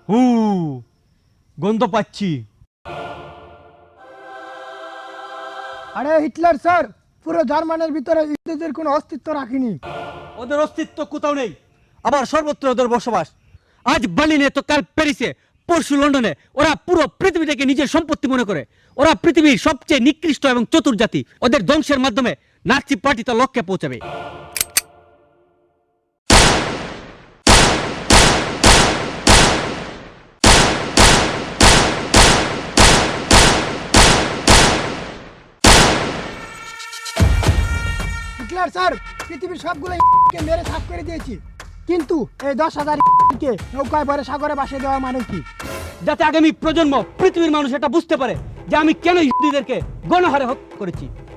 হু গন্ধ পাচ্ছি। আরে হিটলার স্যার পুরো জার্মানির ভিতরে ইহুদিদের কোনো অস্তিত্ব রাখেনি। ওদের অস্তিত্ব কোথাও নেই, আবার সর্বত্র ওদের বসবাস। আজ বার্লিনে তো কাল প্যারিসে, পরশু লন্ডনে। ওরা পুরো পৃথিবীটাকে নিজের সম্পত্তি মনে করে। ওরা পৃথিবীর সবচেয়ে নিকৃষ্ট এবং চতুর জাতি। ওদের ধ্বংসের মাধ্যমে নাৎসি পার্টি তার লক্ষ্যে পৌঁছাবে। হিটলার স্যার পৃথিবীর সবগুলো কে মেরে সাফ করে দিয়েছি, কিন্তু এই 10,000 কে নৌকায় ভরে সাগরে ভাসিয়ে দেওয়া মানে কি? যাতে আগামী প্রজন্ম পৃথিবীর মানুষ এটা বুঝতে পারে যে আমি কেন ইহুদিদেরকে গণহারে হত্যা করেছি।